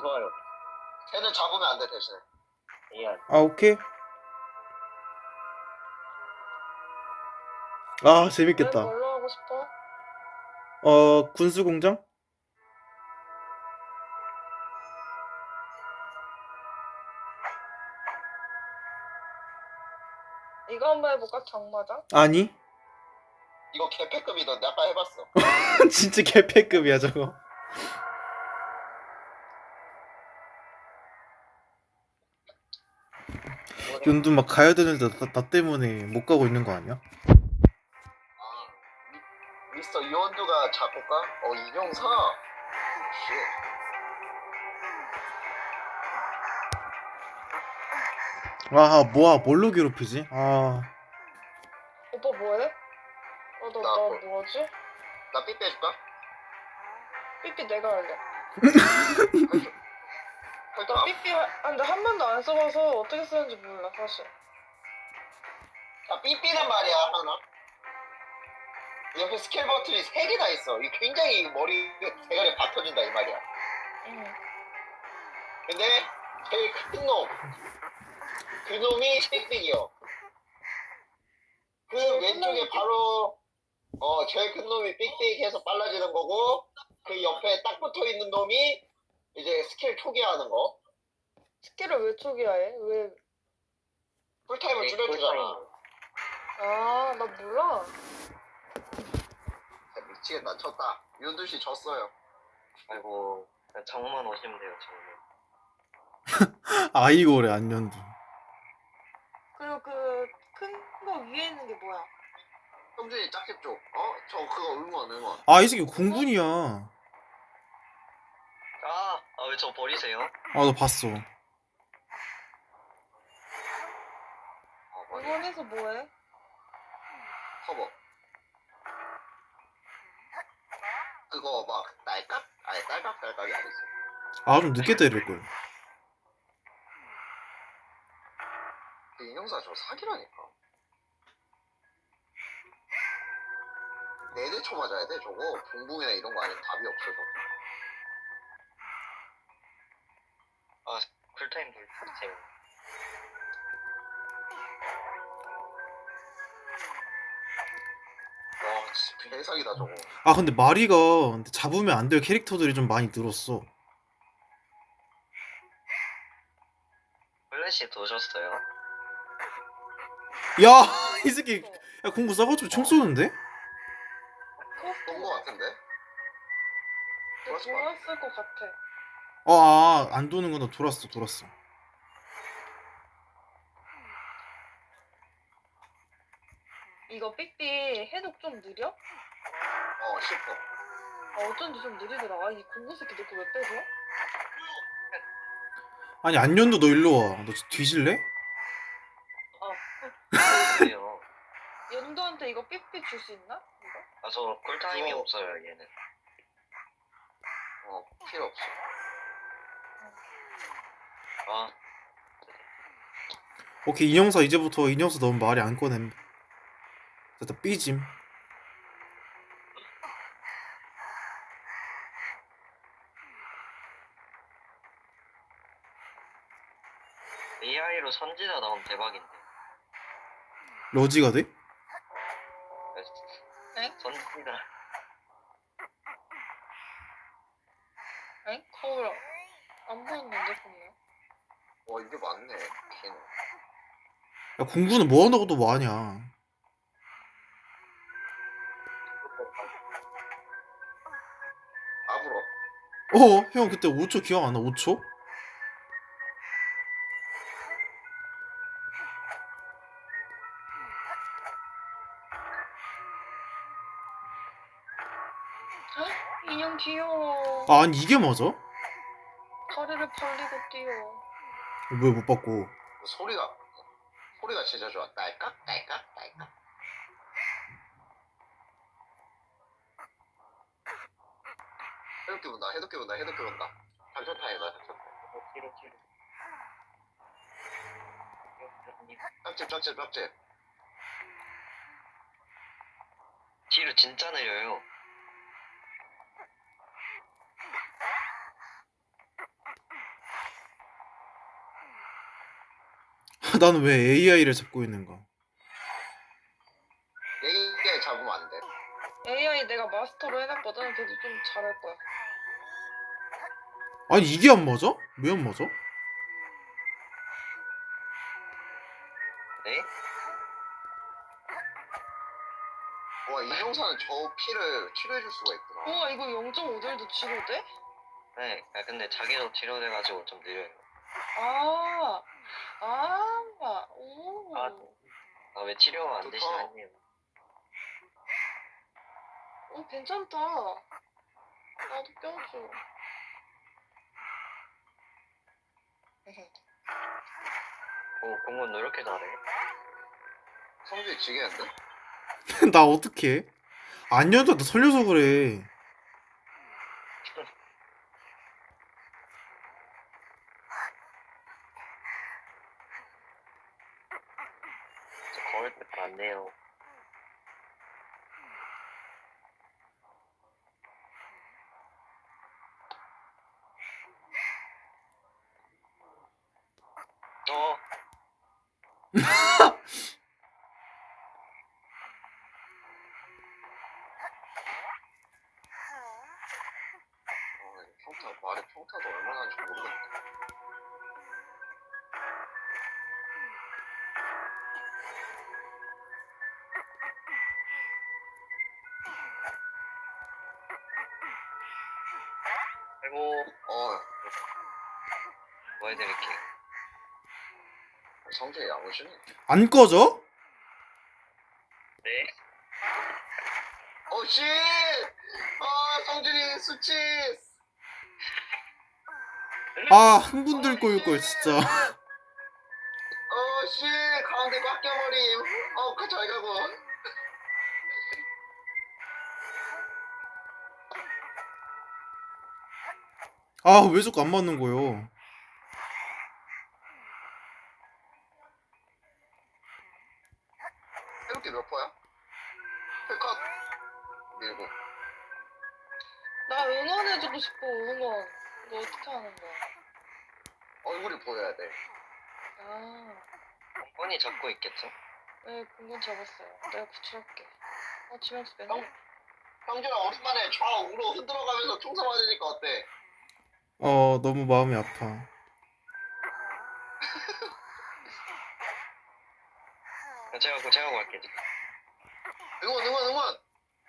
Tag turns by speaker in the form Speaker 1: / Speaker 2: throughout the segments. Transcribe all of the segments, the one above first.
Speaker 1: 좋아요.
Speaker 2: 걔는 잡으면 안 돼 대신에.
Speaker 1: 예.
Speaker 3: 아, 오케이. 아,
Speaker 4: 왜
Speaker 3: 재밌겠다.
Speaker 4: 뭘로 하고 싶어?
Speaker 3: 군수공장?
Speaker 4: 이거 한번 해볼까? 장마장?
Speaker 3: 아니.
Speaker 2: 이거 개패급이던데 아까 해봤어.
Speaker 3: 진짜 개패급이야, 저거. 연두 막 가야 되는데 나 때문에 못 가고 있는 거 아니야?
Speaker 2: 아 미스터 이원두가 작곡가? 이종사. 쉣.
Speaker 3: 아, 뭐야, 뭘로 괴롭히지? 아,
Speaker 4: 오빠 뭐해? 나 뭐하지?
Speaker 2: 나 삐 빼줄까?
Speaker 4: 삐삐 내가 할래.
Speaker 2: 할까?
Speaker 4: 나 삐삐 근데 한 번도 안 써봐서 어떻게 쓰는지 몰라 사실.
Speaker 2: 자, 삐삐는 말이야 하나. 옆에 스킬 버튼이 3개나 있어. 이 굉장히 머리 대가리 박혀진다 이 말이야.
Speaker 4: 응.
Speaker 2: 근데 제일 큰 놈, 그 놈이 삑삑이요. 그 왼쪽에 바로 제일 큰 놈이 삑삑해서 빨라지는 거고, 그 옆에 딱 붙어 있는 놈이 이제 스킬 초기화하는 거.
Speaker 4: 스킬을 왜 초기화해? 왜?
Speaker 2: 쿨타임을 줄여주잖아.
Speaker 4: 아, 나 몰라.
Speaker 2: 진짜 미치겠다. 졌다. 윤두씨 졌어요.
Speaker 1: 아이고, 정만 오시면 돼요, 정만.
Speaker 3: 아이고래, 안연두.
Speaker 4: 그리고 그 큰 거 위에 있는 게 뭐야?
Speaker 2: 형준이 짝집 쪽. 저 그거 응원.
Speaker 3: 아, 이 새끼 공군이야.
Speaker 1: 왜 저 버리세요?
Speaker 3: 아, 나 봤어.
Speaker 2: 맞아.
Speaker 4: 응원해서 뭐해?
Speaker 2: 커버. 그거 막 딸깍? 아니 딸깍이 아니지.
Speaker 3: 아, 좀 늦게 때릴걸.
Speaker 2: 그 인형사 저 사기라니까. 4대 쳐 맞아야 돼 저거. 붕붕이나 이런 거 아니면 답이 없어서.
Speaker 1: 쿨타임 돌리세요.
Speaker 2: 와 진짜 개사기다 저거.
Speaker 3: 아, 근데 마리가 근데 잡으면 안 될 캐릭터들이 좀 많이 늘었어.
Speaker 1: 플래시 도셨어요?
Speaker 3: 야, 이 새끼. 야, 공구 싸가지고 총 쏘는데?
Speaker 2: 본거 같은데?
Speaker 4: 근데 돌았을 것 같아.
Speaker 3: 안 도는구나. 돌았어.
Speaker 4: 이거 삐삐 해독 좀 느려?
Speaker 2: 싶어.
Speaker 4: 어쩐지 좀 느리더라. 이 공구 새끼 내 거 왜 빼서?
Speaker 3: 아니, 안연두 너 일로 와. 너 뒤질래?
Speaker 1: 그래요.
Speaker 4: 연두한테 이거 삐삐 줄 수 있나? 이거?
Speaker 1: 저 쿨타임이
Speaker 2: 그거-
Speaker 1: 없어요, 얘는.
Speaker 2: 필요 없어.
Speaker 3: 오케이, 인형사 이제부터 인형사 너무 말이 안 꺼냄. 됐다, 삐짐.
Speaker 1: AI로 선지자 나오면 대박인데.
Speaker 3: 러지가 돼?
Speaker 4: 엥?
Speaker 1: 선지자.
Speaker 4: 엥? 거울 안 보였는데 보면.
Speaker 2: 이게 맞네. 걔는.
Speaker 3: 야, 공구는 뭐 한다고 또 뭐하냐.
Speaker 2: 앞으로.
Speaker 3: 형 그때 5초 기억 안 나? 5초?
Speaker 4: 인형 귀여워.
Speaker 3: 아니, 이게 맞아?
Speaker 4: 다리를 벌리고 뛰어.
Speaker 3: 왜 못 받고?
Speaker 2: 소리가 진짜 좋아. 딸깍. 해독기 본다. 단천타이다.
Speaker 1: 뒤로.
Speaker 2: 짝집.
Speaker 1: 뒤로 진짜 느려요.
Speaker 3: 나는 왜 AI를 잡고 있는가?
Speaker 2: 얘기 잡으면 안 돼.
Speaker 4: AI 내가 마스터로 해놨거든. 걔도 좀 잘할 거야.
Speaker 3: 아니 이게 안 맞아? 왜 안 맞아?
Speaker 1: 네?
Speaker 2: 와, 인형사는 저 피를 치료해줄 수가 있구나.
Speaker 4: 우와 이거 0.5딜도 치료돼?
Speaker 1: 네. 아, 근데 자기도 치료돼가지고 좀 느려요.
Speaker 4: 아, 오.
Speaker 1: 아. 아, 왜 치료가 안
Speaker 2: 좋다.
Speaker 1: 되시나요?
Speaker 4: 괜찮다. 나도 껴줘.
Speaker 1: 공군 너 이렇게 잘해?
Speaker 2: 성질 지겠는데?
Speaker 3: 나 어떡해? 안녕도 나 설려서 그래.
Speaker 1: 저 거울 때안 돼요. 어,
Speaker 2: 평타, 말에 평타도 얼마나 하는지 모르겠네.
Speaker 1: 아이고,
Speaker 2: 어,
Speaker 1: 뭐 해드릴게요.
Speaker 2: 성질이 야무지네.
Speaker 3: 안 꺼져?
Speaker 1: 네?
Speaker 2: 어, 씨! 아, 성질이 수치!
Speaker 3: 아 흥분될 걸 진짜.
Speaker 2: 어, 씨! 가운데 꽉 껴버림. 잘 가고.
Speaker 3: 아 왜 자꾸 안 맞는 거요?
Speaker 2: 이렇게 몇 퍼야? 컷! 밀고.
Speaker 4: 나 응원해주고 싶어, 응원. 너 어떻게 하는 거야?
Speaker 2: 얼굴이 보여야 돼.
Speaker 4: 아,
Speaker 1: 공군이 잡고 있겠죠?
Speaker 4: 네, 공군 잡았어요. 내가 구출할게. 지명수 빼네.
Speaker 2: 형준아, 오랜만에 좌우로 흔들어가면서 총사 맞으니까 어때?
Speaker 3: 너무 마음이 아파.
Speaker 1: 제가 갈게요.
Speaker 2: 응원!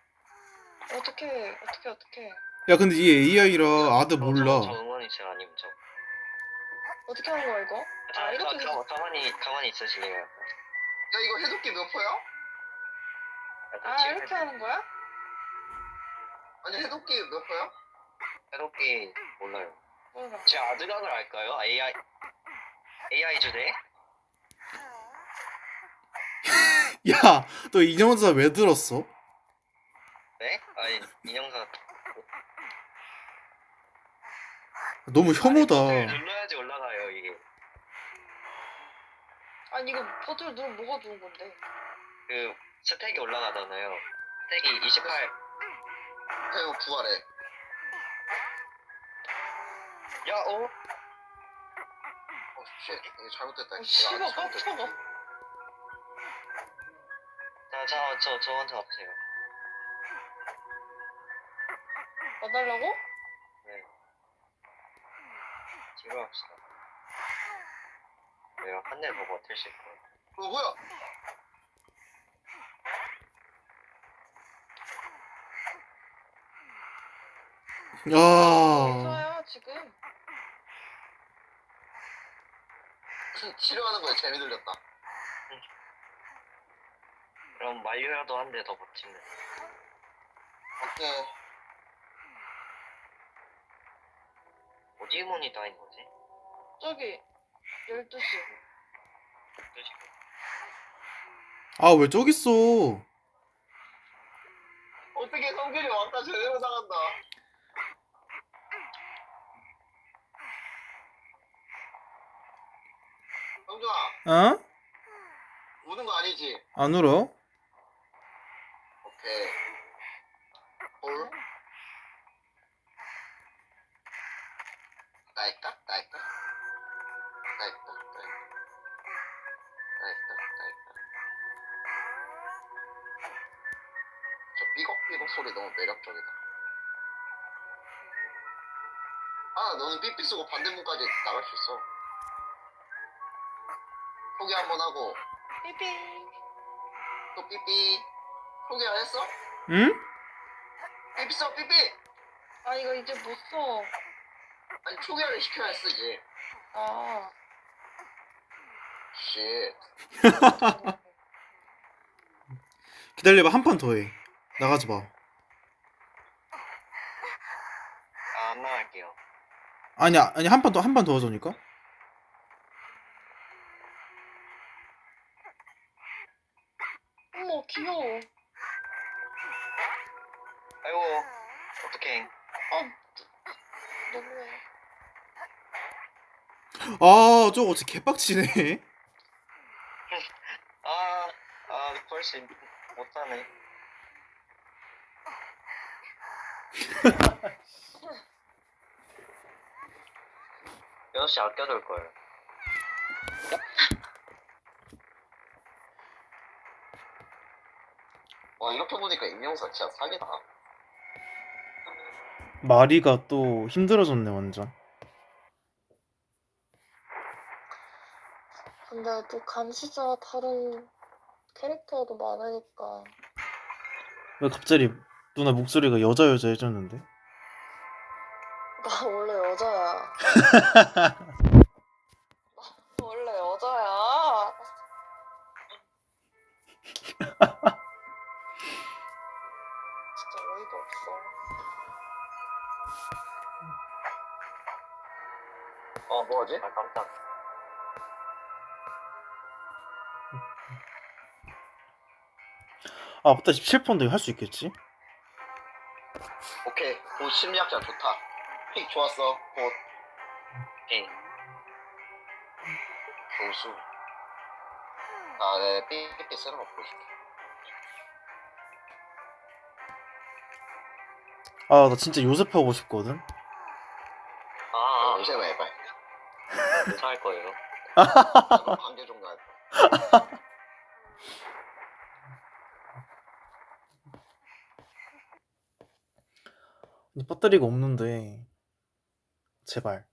Speaker 4: 어떻게.
Speaker 3: 야 근데 이 AI라 아드
Speaker 1: 저
Speaker 3: 몰라.
Speaker 1: 응원이 제 아니면 저.
Speaker 4: 어떻게 하는 거야, 이거? 이렇게 해서.
Speaker 1: 가만히 있으실래요?
Speaker 2: 야, 이거 해독기 몇 퍼야?
Speaker 4: 이렇게 하는 거야?
Speaker 2: 아니, 해독기 몇 퍼야?
Speaker 1: 새롭게 몰라요.
Speaker 4: 몰라.
Speaker 1: 제 아드각을 알까요? AI 주제?
Speaker 3: 야 너 인형사 왜 들었어?
Speaker 1: 네? 아니 인형사
Speaker 3: 너무 혐오다.
Speaker 1: 버튼을 눌러야지 올라가요 이게.
Speaker 4: 아니, 이거 버튼을 누르면 뭐가 좋은 건데?
Speaker 1: 그 스택이 올라가잖아요. 스택이 28.
Speaker 2: 배우 부활해.
Speaker 1: 야,
Speaker 2: 쉣. 이거 잘못됐다. 이거
Speaker 4: 씨발,
Speaker 2: 아주 잘못됐다.
Speaker 4: 깜짝아.
Speaker 1: 저한테 와보세요.
Speaker 4: 와달라고?
Speaker 1: 네. 치료합시다. 내가 한 대 보고 버틸 거예요.
Speaker 2: 뭐야?
Speaker 3: 야
Speaker 4: 의사야, 지금.
Speaker 2: 치료하는 거에 재미 들렸다.
Speaker 1: 그럼 만료라도 한 대 더 버티면.
Speaker 2: 오케이.
Speaker 1: 어디 문이 다 있는 거지?
Speaker 4: 저기, 12시.
Speaker 3: 아 왜 저기 있어?
Speaker 2: 어떻게 성질이 왔다 제대로 나간다. 성준아,
Speaker 3: 어?
Speaker 2: 우는 거 아니지?
Speaker 3: 안 울어?
Speaker 2: 오케이. 볼? 나일까? 나일까? 나일까? 나일까? 저 삐걱삐걱 소리 너무 매력적이다. 아, 너는 삐삐 쓰고 반대문까지 나갈 수 있어. 소개 한번 하고
Speaker 4: 삐삐.
Speaker 2: 또 삐삐. 소개 안 했어?
Speaker 3: 응?
Speaker 2: 삐삐 써 삐삐.
Speaker 4: 아 이거 이제 못 써.
Speaker 2: 아니 초기화를 시켜야 쓰지.
Speaker 4: 아.
Speaker 2: 씨.
Speaker 3: 기다려봐, 한 판 더 해. 나가지 마.
Speaker 1: 아, 안 나갈게요.
Speaker 3: 아니 한 판 더 하자니까.
Speaker 4: 어머 귀여워.
Speaker 1: 아이고, 어떡해.
Speaker 4: 너무해.
Speaker 3: 아, 저거 진짜 개빡치네.
Speaker 1: 벌써 못하네. 여섯 시 아껴둘 걸.
Speaker 2: 와 이렇게 보니까 임영사 진짜 사기다.
Speaker 3: 마리가 또 힘들어졌네, 완전.
Speaker 4: 근데 또 감시자 다른 캐릭터도 많으니까.
Speaker 3: 왜 갑자기 누나 목소리가 여자 해졌는데?
Speaker 4: 나 원래 여자야. 원래 여자야. 진짜 어이가 없어.
Speaker 2: 뭐하지?
Speaker 1: 아, 깜짝.
Speaker 3: 아, 맞다. 17펀드 할 수 있겠지?
Speaker 2: 오케이. 곧 심리학자 좋다. 픽 좋았어. 곧
Speaker 1: 오케이.
Speaker 2: 교수. 아, 네. 삐삐 쓰는 거 보여줄게.
Speaker 3: 아, 나 진짜 요셉 하고 싶거든.
Speaker 1: 아,
Speaker 2: 이제 해봐.
Speaker 1: 무사할 거예요.
Speaker 2: 잠깐 관계 좀 가야 돼.
Speaker 3: 아니, 배터리가 없는데. 제발.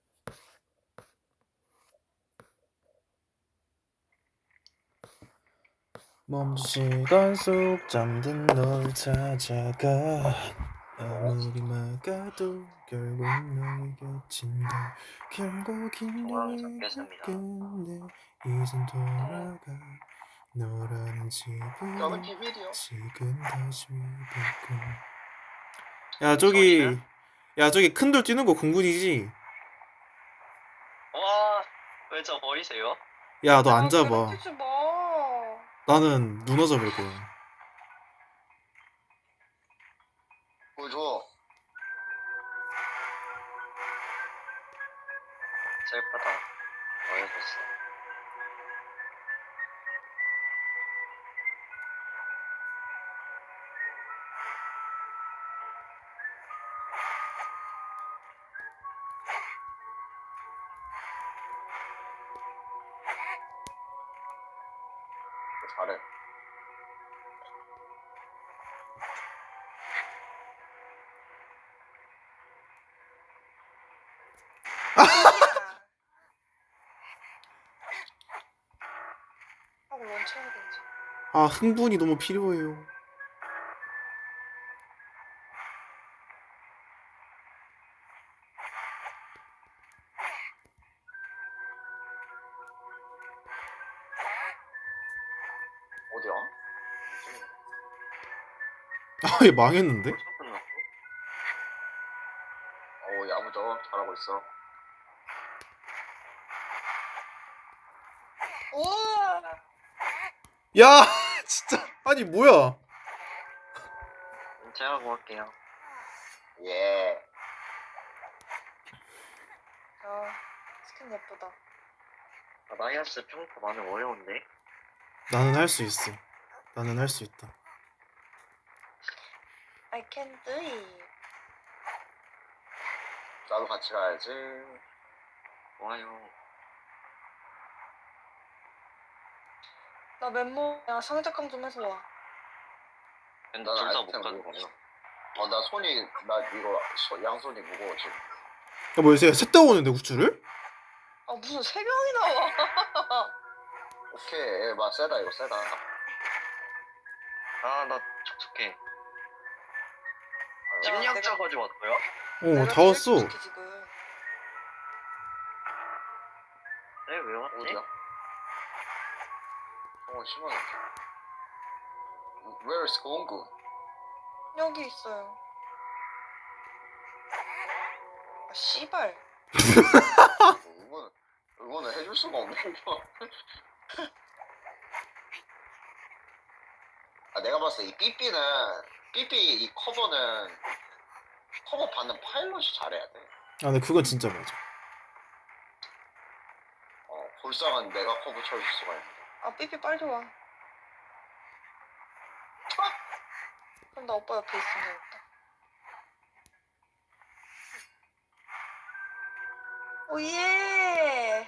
Speaker 3: 먼 시간 속 잠든 널 찾아가. 아무리 막아도 결국 너의 곁인다. 결국 이
Speaker 1: 중앙에
Speaker 3: 노래가
Speaker 1: 잡겠습니다.
Speaker 3: 끝내 이젠 돌아가. 너라는 집을
Speaker 2: 저는 비밀이요.
Speaker 3: 지금 다시 바꿔. 야 저기 큰 돌 뛰는 거 공군이지?
Speaker 1: 와, 왜 저 버리세요?
Speaker 3: 야 너 안
Speaker 4: 야,
Speaker 3: 잡아.
Speaker 4: 괴롭히지 마.
Speaker 3: 나는 누나 잡을 거야.
Speaker 2: 보여줘.
Speaker 1: 슬프다. 어이없어.
Speaker 2: 잘해.
Speaker 4: 하고 런치해야 되지.
Speaker 3: 아 흥분이 너무 필요해요.
Speaker 2: 어디야?
Speaker 3: 아 얘 망했는데?
Speaker 1: 벌써 끝났어?
Speaker 2: 야무져. 잘하고 있어.
Speaker 4: 우와.
Speaker 3: 야 진짜 아니 뭐야?
Speaker 1: 제가 구할게요.
Speaker 2: 예.
Speaker 4: 야, 스킨 예쁘다.
Speaker 1: 아, 마이너스 평타 많이 어려운데?
Speaker 3: 나는 할 수 있어. 나는 할 수 있다.
Speaker 4: I can do it.
Speaker 2: 나도 같이 가야지.
Speaker 1: 좋아요.
Speaker 4: 나 맨몸이야. 상작강 좀 해서 와.
Speaker 1: 근데
Speaker 2: 난
Speaker 1: 둘 다 못
Speaker 2: 아이템
Speaker 1: 가는
Speaker 2: 모르고
Speaker 1: 거야.
Speaker 2: 나 손이 나 이거 양손이 무거워 지금.
Speaker 3: 야 뭐야 쟤 셋다 오는데 우주를?
Speaker 4: 아 무슨 세 명이 나와.
Speaker 2: 오케이 막 세다 이거 세다.
Speaker 1: 아, 나 촉촉해.
Speaker 4: 야,
Speaker 1: 심리학자
Speaker 4: 내가-
Speaker 1: 가져왔어요?
Speaker 3: 어 다 왔어.
Speaker 4: 제일 지금.
Speaker 1: 네, 왜 왔지?
Speaker 2: 어디야? 심하네. Where is 공구?
Speaker 4: 여기 있어요. 아 씨발.
Speaker 2: 응원을 해줄 수가 없네 이거. 아 내가 봤을 때 이 삐삐 이 커버는 커버 받는 파일럿이 잘해야 돼.
Speaker 3: 아 근데 그건 진짜 맞아.
Speaker 2: 볼상은 내가 커버 쳐줄 수가 있는데.
Speaker 4: 아 삐삐 빨리 와. 그럼 나 오빠 옆에 있으면 되겠다. 오예.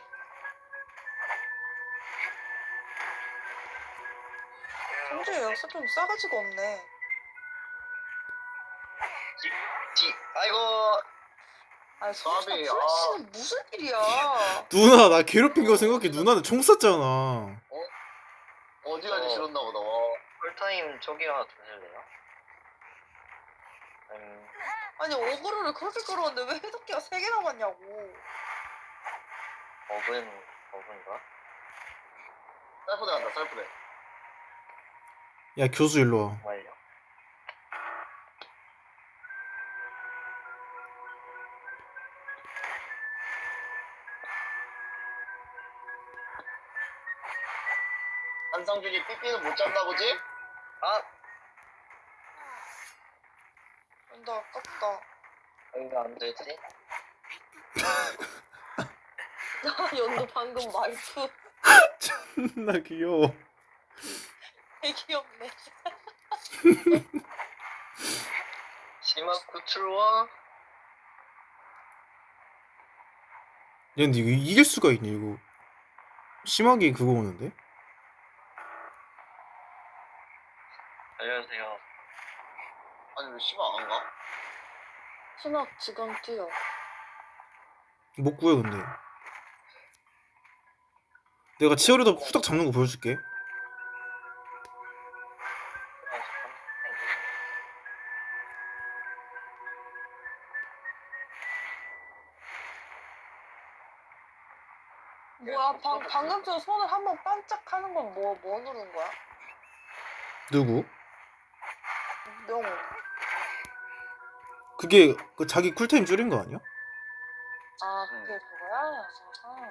Speaker 4: 성주의 연습 좀 싸가지가 없네.
Speaker 1: 아이고.
Speaker 4: 아니 성주가
Speaker 2: 까비,
Speaker 4: 플래시는 무슨 일이야.
Speaker 3: 누나 나 괴롭힌 거 생각해. 누나는 총 쐈잖아.
Speaker 2: 어디까지 싫었나 보다.
Speaker 1: 풀타임 저기가 드실래요?
Speaker 4: 아니 어그로를 그렇게 끌었는데 왜 해독기가 3개 남았냐고.
Speaker 1: 어근인가?
Speaker 2: 셀프대 간다 셀프대.
Speaker 3: 야 교수 일로 와.
Speaker 1: 정말요?
Speaker 2: 한성준이 삐삐는 못 잡나 보지?
Speaker 1: 아!
Speaker 4: 근데 아깝다.
Speaker 1: 이거 안 되지?
Speaker 4: 나 연도 방금 말투
Speaker 3: 존나 귀여워.
Speaker 4: 되게 귀엽네.
Speaker 1: 심학 구출와?
Speaker 3: 야 근데 이거 이길 수가 있니 이거. 심하게 그거 오는데?
Speaker 1: 알려주세요.
Speaker 2: 아니 왜 씨발 안 가?
Speaker 4: 신학 지금 뛰어.
Speaker 3: 못 구해 근데. 내가 치어리더 후딱 잡는 거 보여줄게.
Speaker 4: 뭐야 방금 전 손을 한번 반짝하는 건 뭐 누른 거야?
Speaker 3: 누구?
Speaker 4: 명호.
Speaker 3: 그게 그 자기 쿨타임 줄인 거 아니야?
Speaker 4: 아 그게 그거야? 아하.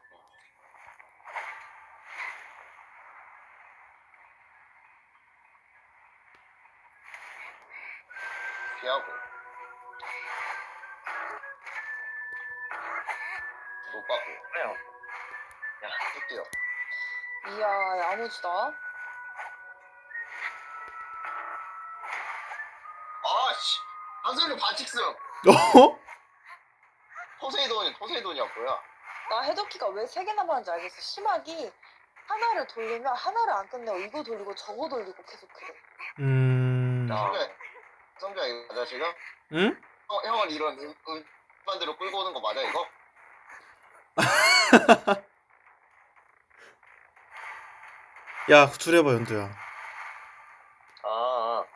Speaker 2: 피하고 못 받고
Speaker 1: 그래요.
Speaker 2: 쭉 뛰어.
Speaker 4: 이야 야무지다.
Speaker 2: 아씨 한성준 반칙승.
Speaker 3: 어?
Speaker 2: 포세이돈이었고요.
Speaker 4: 나 해독기가 왜 3개 남았는지 알겠어. 심하기 하나를 돌리면 하나를 안 끝내고 이거 돌리고 저거 돌리고 계속 그래.
Speaker 2: 성준아 이거 맞아 지금?
Speaker 3: 응?
Speaker 2: 형은 이런 음반대로 끌고 오는 거 맞아 이거?
Speaker 3: 야 구출해봐 연두야.
Speaker 1: 아.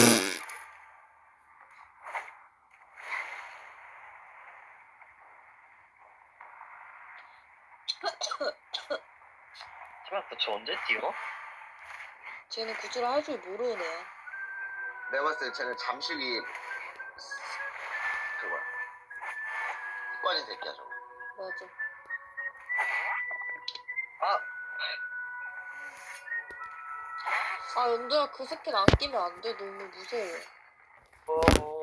Speaker 1: 심학 구출 언제 뛰어?
Speaker 4: 쟤는 구출을 할 줄 모르는 애야.
Speaker 2: 내가 봤을 때 쟤는 잠식이 그거야. 습관인 새끼야 저거.
Speaker 4: 맞아.
Speaker 1: 아!
Speaker 4: 아 연두야 그 스킬 안 끼면 안 돼. 너무 무서워.